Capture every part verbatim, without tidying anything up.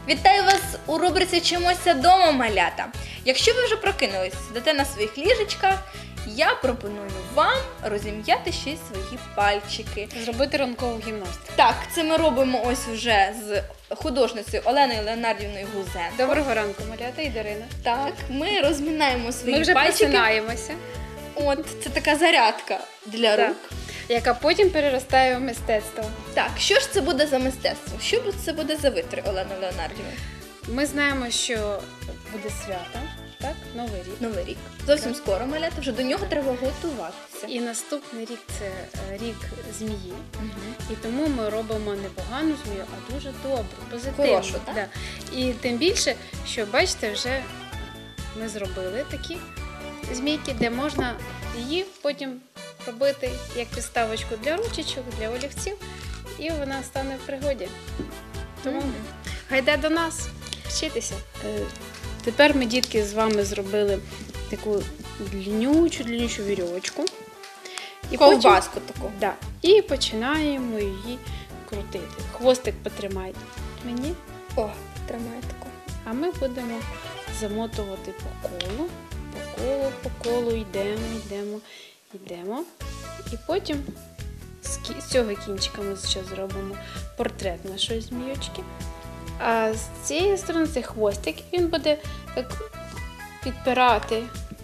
Вітаю вас у рубриці «Вчимося дома, малята». Якщо ви вже прокинулись, сидите на своїх ліжечках, я пропоную вам розім'яти ще й свої пальчики. Зробити ранкову гімнастику. Так, це ми робимо ось вже з художницею Оленою Леонардівною Гузенко. Доброго ранку, малята і Дарина. Так, ми розмінаємо свої Ми вже пальчики. просинаємося. От, це така зарядка для Так. рук. Яка потім переростає в мистецтво. Так, що ж це буде за мистецтво? Що б це буде за витри, Олена Леонардівна? Ми знаємо, що буде свято, так? Новий рік. Новий рік. Зовсім Так. скоро, малята, вже до нього треба готуватися. І наступний рік це е, рік змії. Мгм. І тому ми робимо не погану змію, а дуже добру, позитивну. Хорошу, так? Да. І тим більше, що бачите, вже ми зробили такі змійки, де можна її потім робити як підставочку для ручечок, для олівців, і вона стане в пригоді. Тому Мгм. гайда до нас вчитися. Е, Тепер ми, дітки, з вами зробили таку длиннючу, длиннючу вірьовочку. І Ковбаску таку. Да. І починаємо її крутити. Хвостик потримайте мені, О, тримає таку. а ми будемо замотувати по колу, по колу, по колу, йдемо, йдемо, йдемо. І потім з кі- з цього кінчика ми зараз зробимо портрет нашої змійочки. А з цієї сторони це хвостик, він буде так підпирати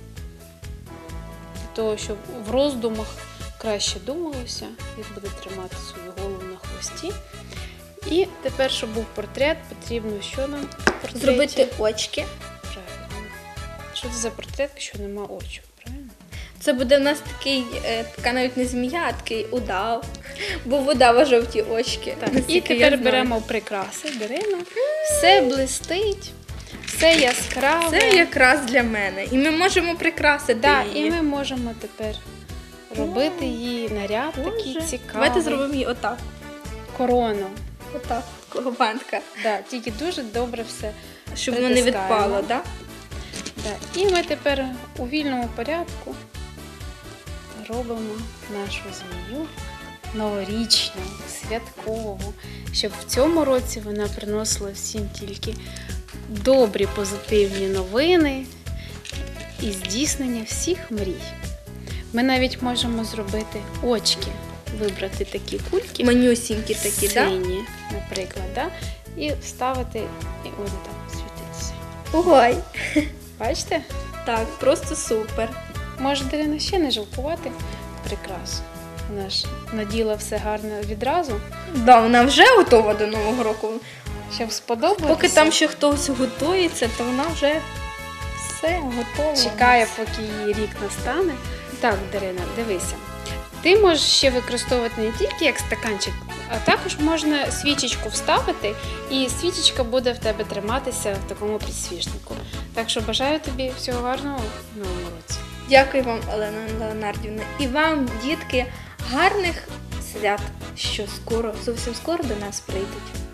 для того, щоб в роздумах краще думалося. Він буде тримати свою голову на хвості. І тепер, щоб був портрет, потрібно що нам в портреті? Зробити очки. Правильно. Що це за портрет, якщо нема очок, правильно? Це буде в нас такий, е, така навіть не змія, а такий удав. Бо в удава жовті очки. Так. І наскільки я тепер знаю. беремо прикраси, Дарина. Все блистить, все яскраве. Це якраз для мене. І ми можемо прикрасити Да, її. і ми можемо тепер робити її наряд такий Боже. цікавий. Давайте зробимо її отак. Корону. Отак, такого бантка. Да, тільки дуже добре все. Щоб воно не Притискаємо. відпало, так? Да. І ми тепер у вільному порядку робимо нашу змію новорічну, святкову, щоб в цьому році вона приносила всім тільки добрі позитивні новини і здійснення всіх мрій. Ми навіть можемо зробити очки, вибрати такі кульки, Манюсінькі такі, так? сині, наприклад, да? І вставити, і вони там світитися. Ой. Бачите? Так, просто супер. Може, Дарина, ще не жалкувати прикрас. Вона ж наділа все гарно відразу, Да, вона вже готова до Нового року. щоб сподобалося. Поки там ще хтось готується, то вона вже все готова. Чекає, поки її рік настане. Так, Дарина, дивися. Ти можеш ще використовувати не тільки як стаканчик, а також можна свічечку вставити, і свічечка буде в тебе триматися в такому підсвічнику. Так що бажаю тобі всього гарного в новому році. Дякую вам, Олена Леонардівна. І вам, дітки, гарних свят, що скоро, зовсім скоро до нас прийдуть.